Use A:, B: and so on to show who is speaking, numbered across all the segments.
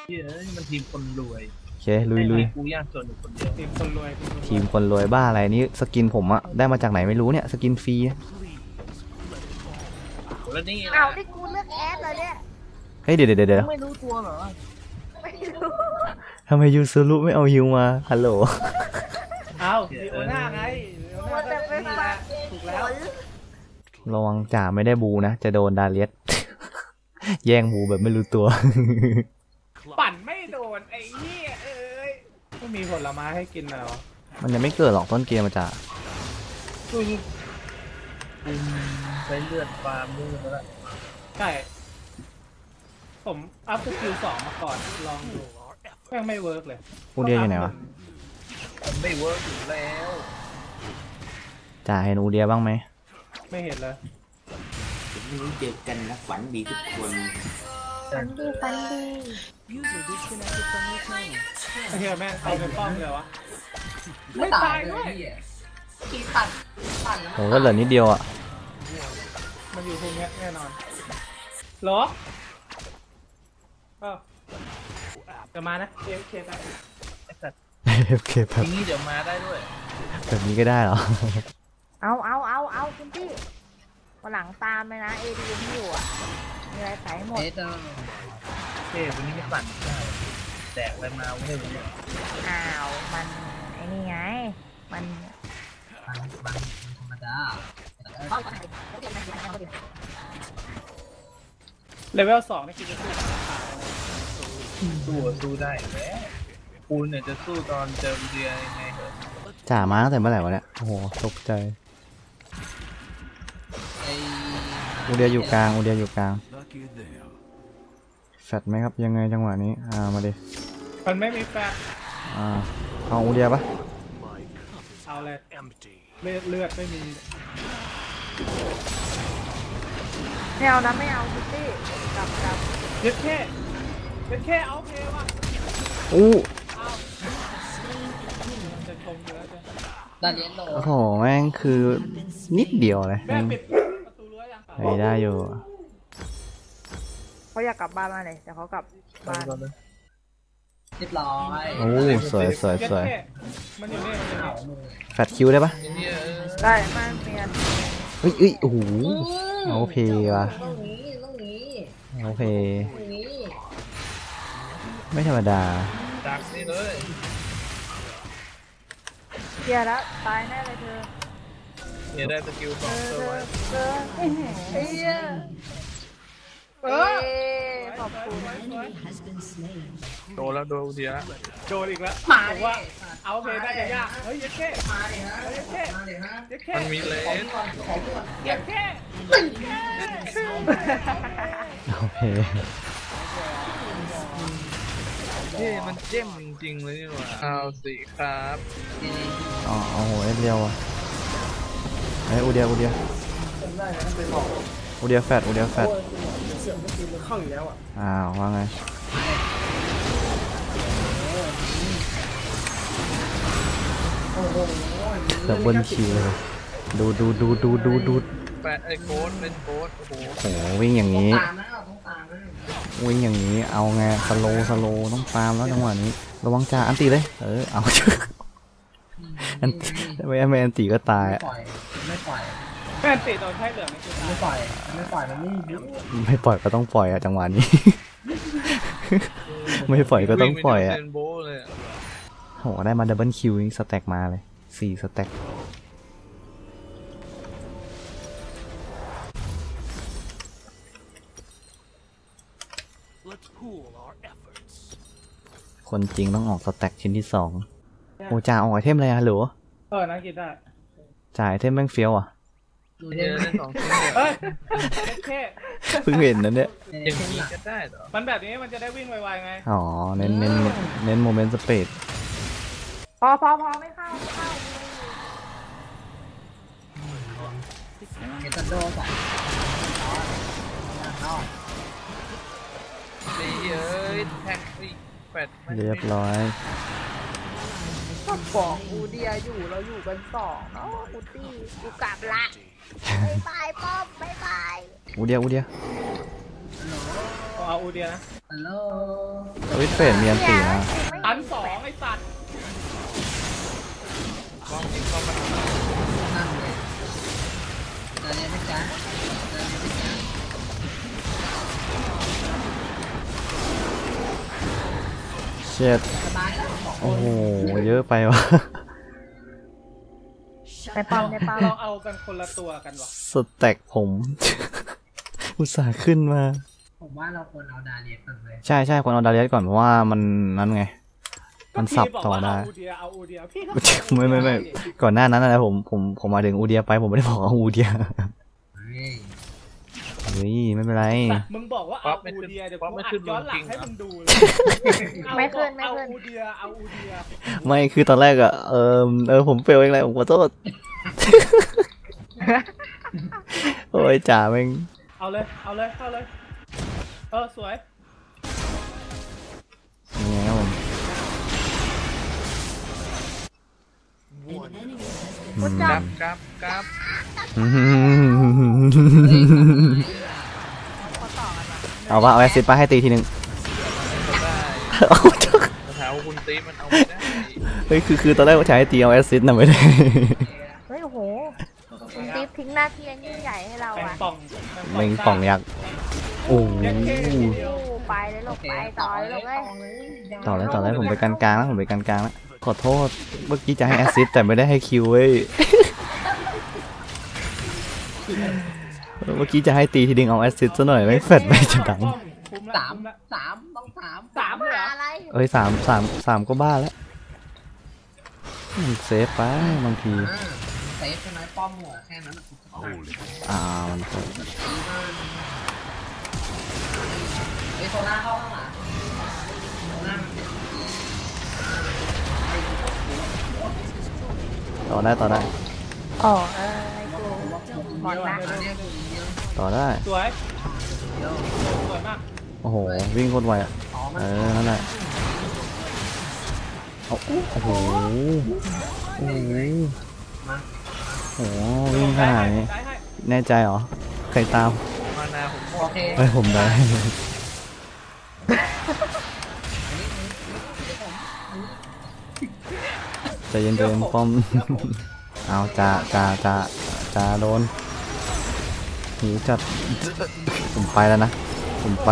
A: เฮ้ยมันทีมคนรวย
B: โอเคลุย
A: กูยากจนอยู่คนเดียว
C: ทีมคนรวย
B: ทีมคนรวยบ้าอะไรนี่สกินผมอะได้มาจากไหนไม่รู้เนี่ยสกินฟรี
A: แล้วนี่
D: เอาที่กูเลือกแอดเลยเนี่ย
B: เฮ้ยเดี๋ยว
A: ไม่รู้ตัวเหรอ
D: ไม่รู้
B: ทำไมยูซูรุไม่เอาฮิวมาฮัลโหล
C: เอาดิโอน่าไง
D: ว่าแต่ไปฟัง
C: ถูกแล้ว
B: ระวังจ่าไม่ได้บูนะจะโดนดาเลียส แย่งบูแบบไม่รู้ตัว
C: ปั่นไม่โดนไอ้เหี้ยเอ้ยไม่มีผลไม้ให้กินเหรอ
B: มันยังไม่เกิดหรอกต้นเกมมาจ่า
A: กูใช้เลือดฟาร์มมือแล้ว
C: ใช่ผมอัพสกิล2มาก่อนลองดูแม่งไม่เวิร์กเลย
B: อูเดียอยู่ไหนวะ
A: ไม่เวิร์กอยู่แล้ว
B: จ่าเห็นอูเดียบ้างไหม
C: ไม่เห็นเลย
E: วันนี้เจอกันนะฝันดีทุกคน
D: ฟันดีฟันดี
C: ไอ้เหี้ยแม่งเอาเป็นป้อมเลยวะไม่ตายด้วย
D: ขี่ปั่น
B: ผมก็เหลือนิดเดียวอ่ะ
C: มันอยู่ตรงนี้แน่นอนหรอจะมานะเอฟเคได้
B: โอเคแบบ
A: นี้เดี๋ยวมาได้ด้วย
B: แบบนี้ก็ได้เหรอ
D: เอาคุณพี่วันหลังตามเลยนะเอดีที่อยู่อ่ะมีอะไรใส่หมด
A: วันนี้ไม่ปั่นแดกอะไรมาไม่รู้
D: อ้าวมันไอ้นี่ไงมัน
E: ธรรมดา
C: เลเวล2นี่คือจะ
A: สู้ได้แล้วกูเนี่ยจะสู้ตอนเจอเดียยังไงเหรอ
B: จ่ามาตั้งแต่เมื่อไหร่วะเนี่ยโอ้โหตกใจอูเดียอยู่กลางแฟดไหมครับยังไงจังหวะนี้มาดิ
C: มันไม่มีแฟด
B: เอาอูเดียปะ
C: เอาเลยเลือดไม่มี
D: ไม่เอานะไม่เอาคุณพี่กลับ
C: เย็ดแค่เอาเพว่ะจะชมเยอะจ้ะ
E: ด้านเลี้ยงโล
B: โอ้โหแม่งคือนิดเดียวเลย
C: แม่ปิดประตูรั้วยัง
B: ไม่ได้อยู่
D: เขาอยากกลับบ้านมาเลยแต่เขากลับบ้าน
E: เรียบร้อย
B: โอ้สวย
C: มันอยู่นี่
B: แฟดคิวได้ปะ
D: ได้มากเมียน
B: เฮ้ยโอ้โหโอเคว่ะโอเคไม่ธรรมดา
A: ดักนี่เลย
D: เกียร์แล้วตายแน่เลยเธอ
A: เนี่ยได้สกิล2ตัว
D: ขอบคุณ
A: โดนแล้วโดนเดีย
C: โดนอีกแล้วมาว่าเอาเพได้จะยากเฮ้ยยัดแค่
A: มันมีเลน
C: ยัดแค่
B: โอเค
A: มันเจ้มจริงๆเลยนี่หว่าเอาสิครับ
B: โอ้โหเดียวอ่ะไอ้อูเดียแฟด
C: เข้าอยู่แล้ว
B: ว่าไงดับเบิลคิวดู
A: แปดไอ้โค้ดเป็นโค้ด
B: โอ้โหวิ่งอย่างนี้เอาไงสโลต้องตามแล้วจังหวะนี้ระวังจ่าอันตีเลยเอาไม่อันตีก็ตาย
E: ไม่ปล่อย
C: แม่ตีโดนไพ่เหลือง
E: ไม่ปล่อยมัน
B: ไม่ปล่อยก็ต้องปล่อยจังหวะนี้ไม่ปล่อยก็ต้องปล่อยโหได้มาดับเบิลคิวนี่สแต็กมาเลย4สแต็กคนจริงต้องออกสแต็กชิ้นที่2โอ้จ่าออกไอเทมอะไรหรือ
C: น่ากินได้
B: จ่ายไอเทมแม่งเฟี้ยว
C: เฮ้ยแค่
B: เพิ่งเห็นนั่นเนี่ย
A: อย่างนี้ก็ได้เหรอ
C: มันแบบนี้มันจะได้วิ่งไวๆไง
B: เน้นโมเมนต์สเปด
D: พอไม่เข้า
E: เฮตันโดใส่
A: แท็ก
B: เรียบร้อย
D: ก็บอกอูเดียอยู่เราอยู่กัน2เนาะอูตี้กูกลับละบายป้อมบาย
B: อูเดีย
C: เอาเอาอูเดียนะ
E: ฮัลโหล
B: วิทเฟรมีอันตีนะ
C: ตัน2ไอ้สัตว์
A: กล้องยิงเข้ามา
E: นั่งเลยเจอเลยนะจ๊ะเจอเลยนะจ๊ะ
B: เช็ด
E: สบายแล้วบอก
B: โอ้โหเยอะไปวะ
D: ในป้อมในป้อม
C: เราเอากันคนละตัวกันวะ
B: สแต็กผม อุตส่าห์ขึ้นมา
E: ผมว่าเราควรเอาดาเลียก่อนเลย
B: ใช่ใช่ควรเอาดาเลียสก่อนเพราะว่ามันนั่นไง มันสับต่อได้
C: ก็พี่บอกว่าเอาอูเดียพี่ก็
B: ไม่ก่อนหน้านั้นนะผมมาถึงอูเดียไปผมไม่ได้บอกเอาอูเดีย
E: เฮ้ย
B: เฮ้ยไม่เป็นไร
C: มึงบอกว่าเอาอูเดียเดี๋ยวกูอัดย้อนหลังให้มึงดูเลย
D: ไม่ขึ้นไม่
C: เอา
D: ขึ้น
C: อูเดียเอาอูเดีย
B: ไม่คือตอนแรกอะผมเฟลเองเลยผมขอโทษ โอ้ยจ่าแม่ง
C: เอาเลยสวย
B: ยังไงครับผม
D: พุทธ
A: ก
D: จั
A: รา
D: บ
A: ฟกราฟกราฟ
D: เขาต่อกันว่ะ
B: เอาว่าเอาแอสซิสต์ไปให้ตีทีนึง
A: ได้
B: เอาเถอะ
A: แถวคุณตีมันเอาไม่ได้
B: เฮ้ยคือตอนแรกว่าจะให้ตีเอาแอสซิสต์นะไม่ได้
D: เฮ้ยโอ้โหคุณติ๊บทิ้งหน้าที่อันยิ่งใหญ่ให้เรา
C: แมง
D: อ่ะ
C: ป่อง
B: แม่งป่องยักษ์โอ้โห
D: ไปเลยลูกไปต่อเลยลูกเอ้ย
B: ต่อเลยผมไปกลางๆแล้วผมไปกลางๆแล้วขอโทษเมื่อกี้จะให้แอสซิสต์แต่ไม่ได้ให้คิวเว้ย เมื่อกี้จะให้ตีทีดึงเอาแอสซิสต์ซะหน่อยไม่เฟดไม่จะดัง
E: สามต้องสาม
C: สามเลยเหรอ
D: อะไร
B: เอ้ยสามก็บ้าแล้วมันเซฟไปบางที
E: เซฟใช่ไหมป้อมหัวแค่นั้น
B: มันเซฟ
E: ไอ้โซล่าเข้าข้างหลังโซล่า
B: ต่อได้
D: อ๋อไอ้กูหมดละ
B: ต่อได้
C: สวยมาก
B: โอ้โหวิ่งโคตรไวอ่ะนั่นแหละโอ้โหโอ้โหวิ่งขนาดนี้แน่ใจเหรอใครตาม
A: มานาผม
E: โอเค
B: เฮ้ยผมได้ใจเย็นป้อม เอาจ่าโดนหิวจัดผมไปแล้วนะ
C: คิวลง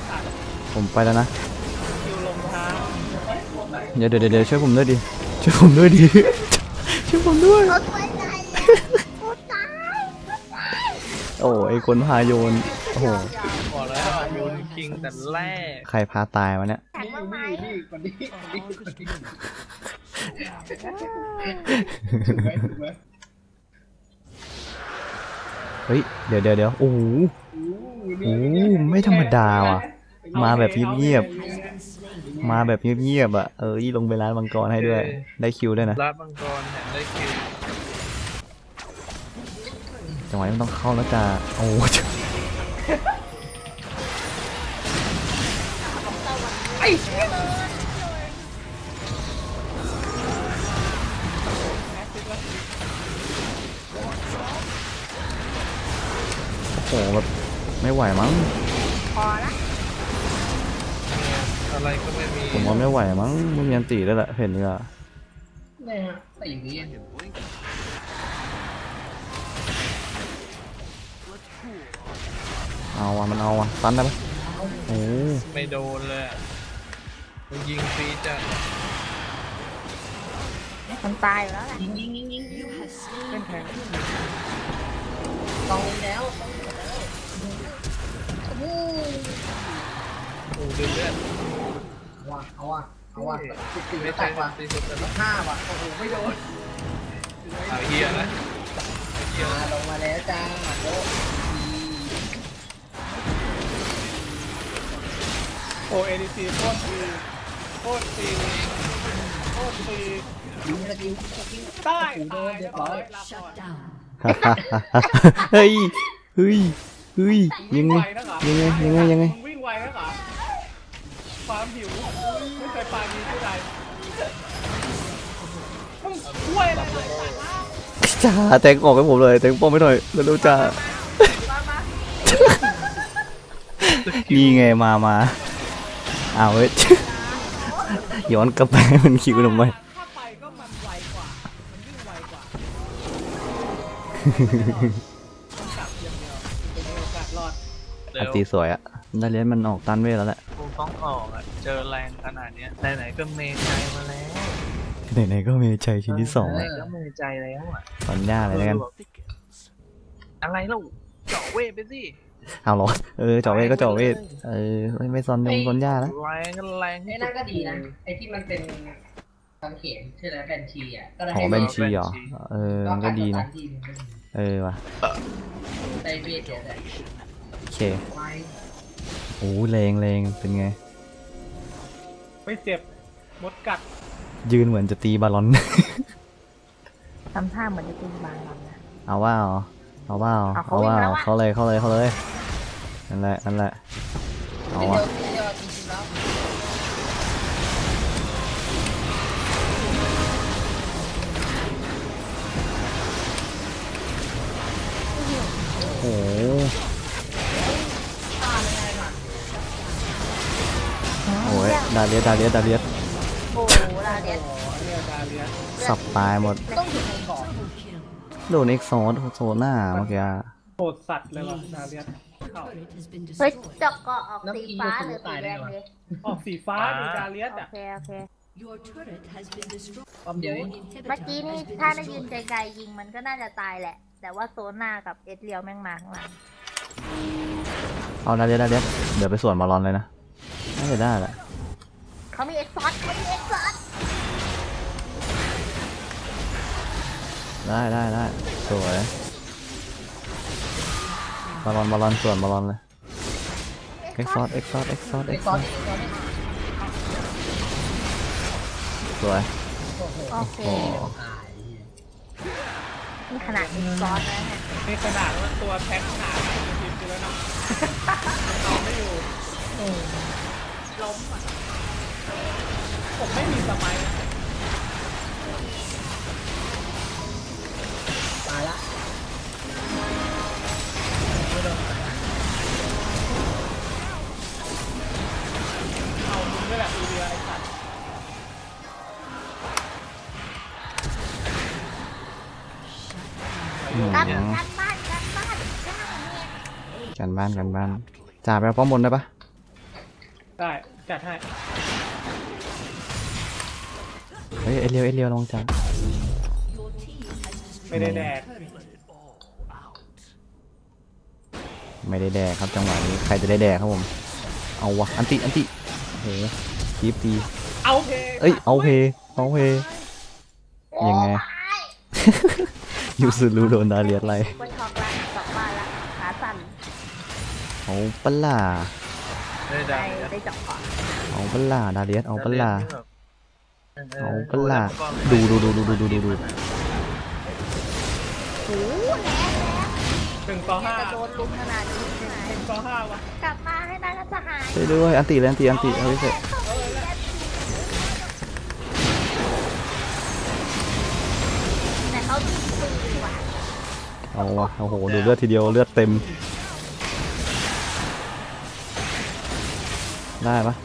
C: ทาง
B: เดี๋ยวช่วยผมด้วยดิช่วยผมด้วย
D: รถไฟไหนโคตรตาย
B: โอ้ไอคนพาโยนโอ้โห
A: บอกแล้วโยนคิงแต่แรก
B: ใครพาตายวะเนี่ย
D: แข็งมากไหม
B: เฮ้ยเดี๋ยวโอ้โหไม่ธรรมดาว่ะมาแบบเงียบอ่ะลงไปร้านมังกรให้ด้วยได้คิวด้วยนะ
A: ลาดมังกรแถมได้คิว
B: จังหวะนี้มันต้องเข้าแล้วจ้าโอ้โหแบบไม่ไหวมั้ง
D: พอละ
A: อะไรก็ไม่มี
B: ผมว่าไม่ไหวมั้งไม่มีอันตีแล้วแหละเห็นเลยอ่ะ
E: เนี่ยแต่อย่างนี้
B: มันเอาตันได้ปะโอ้
A: ไม่โดนเลยมันยิงฟรีจัด
D: มันตายอยู่แล้วแหละ
E: ยิงเป็นแทงต้องแล้ว
A: โอ้ดูเลือด
E: เอาว่ะ14
A: ไม่
E: แต
A: ใช่
E: กว่ะ
A: ตีสุดแต่ละ
E: 5ว่ะโอ้โหไม่โดน
A: เฮียนะเฮีย
E: ลงมาแล้วจ้าโอ้
C: โอเอดีซีโคตรดี
E: ยิงสกิล
C: ใต้
E: โดนเรียบร้อย
B: เฮ้ยยังไง
C: วิ่งไวนะเหรอความหิวไม่เคยปาดีที่ใดมึงช่วยอะไรหน่อย
B: จ้าแตงออกให้ผมเลยแตงป้อมไม่หน่อยเร็วๆจ้านี่ไงมาเอาเว้ย ย้อนกลับไปมันคิวลงไป
C: ถ้าไปก็มันไวกว่ามันวิ่งไวกว่าต้องกลับอย่างเดียวเป็นโอกาสรอด
A: เร็
B: อัน
A: ว
B: ตีสวยอะได้เลี้ยนมันออกตันเวทแล้วแหละ
A: กูต้องออกอ่ะเจอแรงขนาดเนี้ยไหนๆก็เมใจมาแล้ว
B: ไหนๆก็มีใจชิ้นที่สอง
A: ไหน
B: อะ
A: ๆก็เมใจแล้วอ่ะ
B: ตอนย่าเลยแล้วกัน
A: อะไรเล่าเจาะเวทไปสิ
B: เอาเหรอเจาะเวทก็เจาะเวทไม่ซอนยงซอนย่าแล้ว
A: แรงก็แรง
E: ไอ้นั่นก็ดีนะไอ้ที่มันเป็นกางเขนชื่ออะไรแบนชีอ่ะก็ได้
B: ของเบนชีเหรอมันก็ดีนะว่ะ
E: ได้เวทเดียวเลย
B: โอเค
E: ไว้
B: โอ้แรงเป็นไง
C: ไม่เจ็บมดกัด
B: ยืนเหมือนจะตีบอลลอน
D: ทำท่าเหมือนจะตีบางลำนะ
B: เอาว่าเอาว่า
D: เอาเขาวิ่งแล้วอะ
B: เข้าเลยนั่นแหละเอา
E: เดี
B: วะ
E: ยวเดียวจริงๆแล้ว
B: โอ้โหดาเลียส
D: โอ้โหลาเดียส
C: เนี่ยดาเลียส
B: สับตายหมด
E: ต้องอยู่ในก่อน
B: โดนเอ็กซ์โซน่าเมื่อกี้
C: โหดสัตว์เลยว่ะดาเลียสเข้า
D: เฮ้ยจอกเกาะออกสีฟ้าหรือสีแดงเลย
C: ออกสีฟ้าดูดาเลียส
D: โอ
C: อ่ะ
D: เคโอเค
F: Your turret has been destroyed.
E: ความเดียว
F: Your
D: เมื่อกี้
F: inhibitor
D: นี่
F: has
D: ถ้า
F: been
D: ได้ยืน
F: destroyed.
D: ไกลๆยิงมันก็น่าจะตายแหละ แต่ว่าโซน่ากับเอสเรียวแม่งมาข้างหลัง
B: เอาดาเลียสเดี๋ยวไปสวนบอลลอนเลยนะน่าจะได้แหละ
D: เขามีเอ็กซ์ซอส
B: ได้สวยบอลลอนส่วนบอลลอนเลยเอ็กซ์ซอส
E: ไอ้ซอนไอ้ซอน
B: สวย
D: โอเค
B: โอ้
D: นี่ขนาดเอ็กซ์ซอสนะเนี่ย
C: นี่ขนาดว่าตัวแท็กหนาทีมกูแล้วนะเอาไม่อยู่ล้มอ่ะผมไม่มีสมัยนะ
E: ตายละ
C: เอามึงด้วยแหละอีเดียไอ้สัตว์
D: กัน
B: อืม
D: บ้านย่างเนี่ย
B: กันบ้านจ่าไปเอาป้อมบนได้ปะ
C: ได้จัดให้
B: เฮ้ยเอเลียวลองจ่า
F: Your team has destroyed
C: ไม่ได้แดก
F: turret.
B: ไม่ได้แดกครับจังหวะนี้ใครจะได้แดกครับผมเอาวะอันติโอ้โหคีบตี
C: เอาเพ
B: เอ้ยเอาเพยังไง ยูซูรูโดนดาเลียสอะไร
D: ก็ช็อกละสองบ้านละขาสั่น
B: เอาปะล่า
A: ได้
D: ได้
A: ได้
D: ได้เจาะก่อน
B: เอาปะล่าดาเลียสเอาปะล่า เอาปะ
A: เว
B: ล่า
A: ก็
B: ดู
D: โอ้โหแรง
C: 1-5
D: จะโดนลุมขนาดนี้เลยนะ
C: 1-5วะ
D: กลับมาให้นายสหาย
B: ช่วยด้วยอันติเลยอันติเอาไปเสร็จ
D: แต่เขาตีปืนดีกว่า
B: เอาวะโอ้โหดูเลือดทีเดียวเลือดเต็มได้ปะ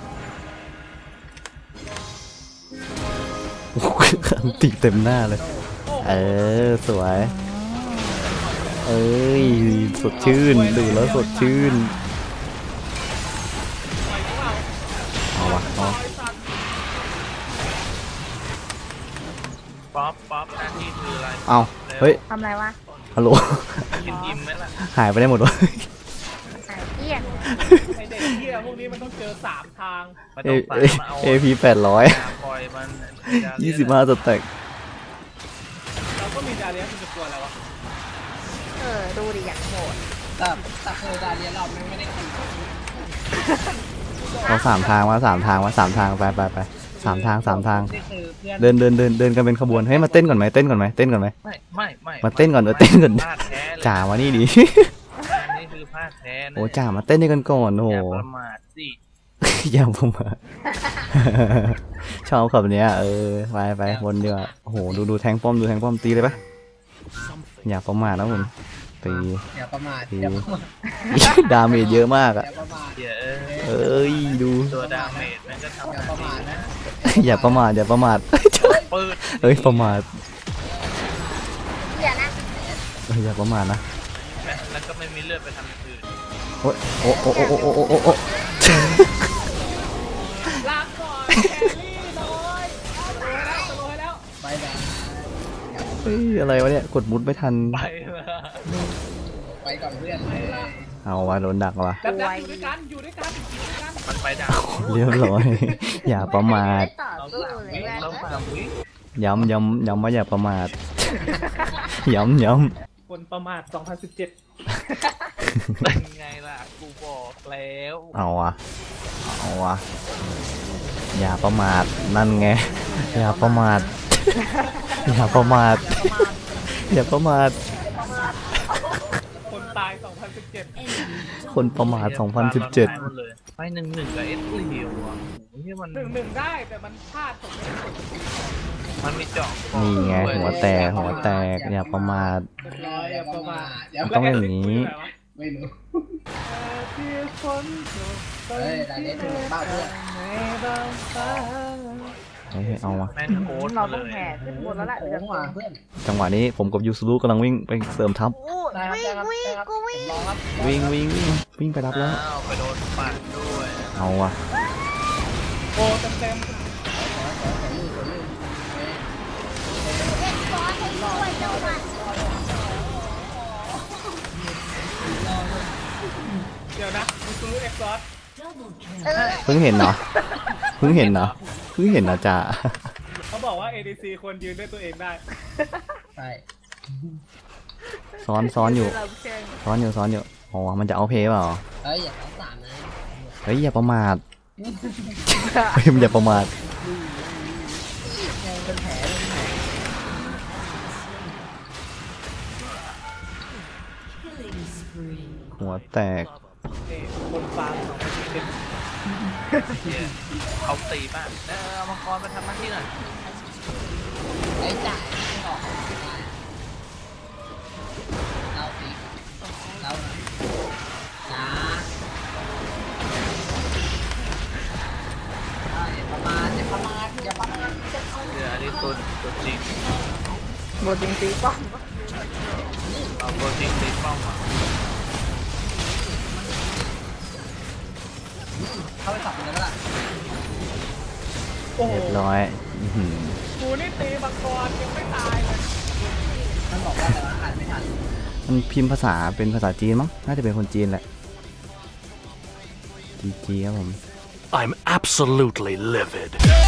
B: โอ้โหอันติเต็มหน้าเลยสวยเอ้ยสดชื่นดูแล้วสดชื่นเอาวะเอา
A: ป๊อปหน้าที่คืออะไร
B: เอาเฮ้ย
D: ทำอะไรวะ
B: ฮัลโหล
A: กินอิ่มไหมล่ะ
B: หายไปได้หมดวะ
D: หายเกลี้ยง
C: ไอเด็กเหี้ยพวกนี้มันต้องเจอ3 ทาง
A: ไม่ต้องตามมาเอา
B: AP 800
A: ปล่อยมัน
B: 25สแต็ก
C: เราก็มีดาเลียสมันจะกลัวอะไรวะ
D: ดูดิอย่างโหด
E: แต่เคยดาเลียเราไม่ได้กิน
B: เอา3 ทาง3 ทางไป3 ทาง
E: นี่คือเพื่อน
B: เดินกันเป็นขบวนเฮ้ยมาเต้นก่อนไหมเต้นก่อนไหม
A: ไม่
B: มาเต้นก่อนเต้นก่อน
A: พลาดแท้เลย
B: จ่ามานี่ดิ
A: อันนี้คือพลาดแท้นะ
B: โอ้จ่ามาเต้นด้วยกันก่อนโอ้โห
A: อย่าประมาทสิ
B: อย่าผมมา ชอบขับเนี้ยไปบนดีกว่าโอ้โหดูแทงป้อมตีเลยปะอย่าประมาทนะผมตี
E: อย่าประมาท
B: ตี
E: อย่าประมาท
B: ดาเมจเยอะมากอะ
E: อย่าประมาท
A: เดี๋ยว
B: เอ้ยดู
A: ตัวดาเมจมันก็ทำ
E: อย่าประมาทนะ
B: อย่าประมาทอย่าประมาท
A: ปืด
B: เอ้ยประมาท
D: อย่านะ
B: เอ้ยอย่าประมาทนะ
A: แล้วก็ไม่มีเลือดไปทำอย่างอื่น
B: โอ้ยโอ้โอ้โอ้โอ้โอ้โอ้โอ้
C: ลาก่อนแครี่น้อยสโลว์ให้แล้ว
E: ไปแบบ
B: เฮ้ยอะไรวะเนี่ยกดมุดไม่ทัน
A: ไปละ
E: ไปก่อนเพื่อน
B: เอาว่ะโดนดักว่ะ
C: แบบอยู่ด้วยกันอยู่ด้วยกันอยู่ด้วยกัน
A: มันไปดาว
B: เรียบร้อย อย่าประมาท
D: ต่อ
A: เรา
D: สู้
A: สาม
D: เล
A: วิ
D: ย
A: เราสามวิ
B: ย้ำว่าอย่าประมาท ย้ำ
C: คนประมาท 2017
A: เป็นไงล่ะกูบอกแล้ว
B: เอาว่ะอย่าประมาทนั่นไงอย่าประมาทอย่าประมาทอย่าประมาท
C: คนตาย 2017
B: คนประมาท 2017
A: หมดเลยไป1-1กับเอสเลียวอ่ะโอ้โหนี่มัน
C: 1-1ได้แต่มันพลาดผมไม่ได้กด
A: มันมีเจาะ
B: นี่ไงหัวแตกอย่าประมาท
C: เรียบร้อยอย่าประมาท
E: อย่า
B: ต้องอย่างนี้
E: ไม่รู้
C: ที่ฝนตก
E: เฮ้ยแต่นี้ถึงบ้าเพื่อน
C: ในบางฟ้า
B: เฮ้ยเอามา
A: แม่นโค้ด
D: เรา
A: มาเล
D: ต้อง
A: ย
D: แห่ขึ้นบนแล้วแหละ
E: โค้
D: เดี๋ยว
E: ง
D: จะ
E: ว่ะเพื่อน
B: จังหวะนี้ผมกับยูซูรุกำลังวิ่งไปเสริมทัพ
D: อู้วิ่งกูวิ่ง
E: รอครับ
B: วิ่งไปรับแล้ว
A: อ้าวไปโดนปัดด้วย
B: เอาว่ะ
C: โอ้เต็มเดี๋ยวนะมูซูรุเอ็กซ์ซอส
F: Double kill.
B: เพิ่งเห็นเหรอจ่า
C: เขาบอกว่า ADC ควรยืนด้วยตัวเองได้
E: ใช่
B: ซ้อนอยู่
D: เราเชิญ
B: อ๋อมันจะเอาเพย์เปล่า
E: เฮ้ยอย่าเอาสามนะ
B: เฮ้ยอย่าประมาทเฮ้ยมันอย่าประมาท
E: เป็นแผล
F: Killing spree.
B: หัวแตก
C: นี่คนฟาร์ม2017
A: เนี่ยเขาตีป่ะเอามังกรมาทำหน้าที่หน่อย
E: ไอ้จ่ายออกเราตีเราจ้าอย่าประมาทอย่าประมาทอย่าประมาท
A: เดี๋ยวอันนี้ตัวจริง
D: บทจริงตีป้อม
A: เอาตัวจริงตีป้อมอ่ะ
E: เข้าไปสับเลยก็ล่ะ
C: โอ้โห
B: เรียบร้อยอื้อหือ
C: กูนี่ตีมังกรยังไม่ตายเลย
E: ท่านบอกว่าแต่ว่าอ่านไม่ทัน
B: มันพิมพ์ภาษาเป็นภาษาจีนมั้งน่าจะเป็นคนจีนแหละจีครับผม
G: I'm absolutely livid.